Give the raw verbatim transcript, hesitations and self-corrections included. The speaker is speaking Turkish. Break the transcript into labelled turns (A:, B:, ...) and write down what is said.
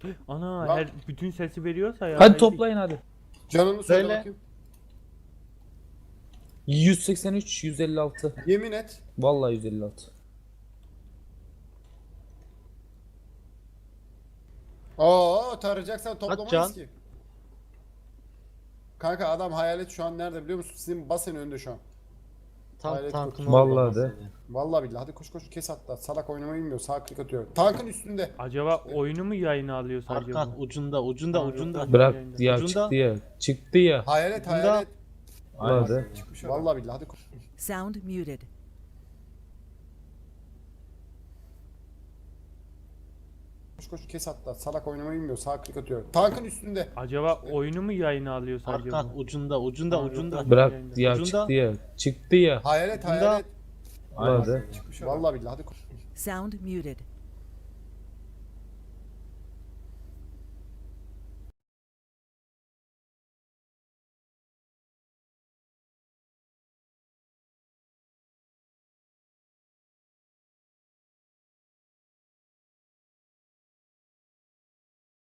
A: Ana
B: Lan.
A: her bütün sesi veriyorsa ya.
C: Hadi
A: belki-
C: toplayın hadi.
B: Canını söyle
D: Söyle.
B: bakayım.
C: yüz seksen üç yüz elli altı.
B: Yemin et.
C: Vallahi yüz elli altı.
B: Oo tarayacaksan toplamayız
D: can.
B: ki. Kanka adam hayalet şu an nerede biliyor musun? Sizin basen önünde şu an.
D: Tam
B: Hayret
D: tankın
C: Vallahi
D: olmaması
C: de.
D: yani.
B: Vallahi billahi hadi koş koş kes hatta. Salak oynamayı bilmiyor. Sağ klik atıyor. Tankın üstünde.
A: Acaba oyunu mu yayına alıyor sadece
D: Arka
A: bu?
D: ucunda ucunda
A: Tamam,
D: ucunda.
A: yok.
C: Bırak
A: Yayında.
C: ya
D: Ucunda.
C: çıktı ya. Çıktı ya.
B: Hayalet
D: Bunda-
B: hayalet.
C: Hadi.
B: Çıkmış adam. Vallahi billahi hadi koş.
E: Sound muted.
B: Koş koş kes hatta. Salak oynamayı bilmiyor. Sağ klik atıyor. Tankın üstünde.
A: Acaba oyunu mu yayına alıyor sadece
D: Arka
A: bu?
D: ucunda ucunda
A: Tamam, yok.
D: ucunda.
C: Bırak
A: Yayında.
C: ya
D: Ucunda.
C: çıktı ya. Çıktı ya.
B: Hayalet
D: Bunda-
B: hayalet.
C: Hadi.
B: Çıkmış adam. Vallahi billahi hadi koş.
E: Sound muted.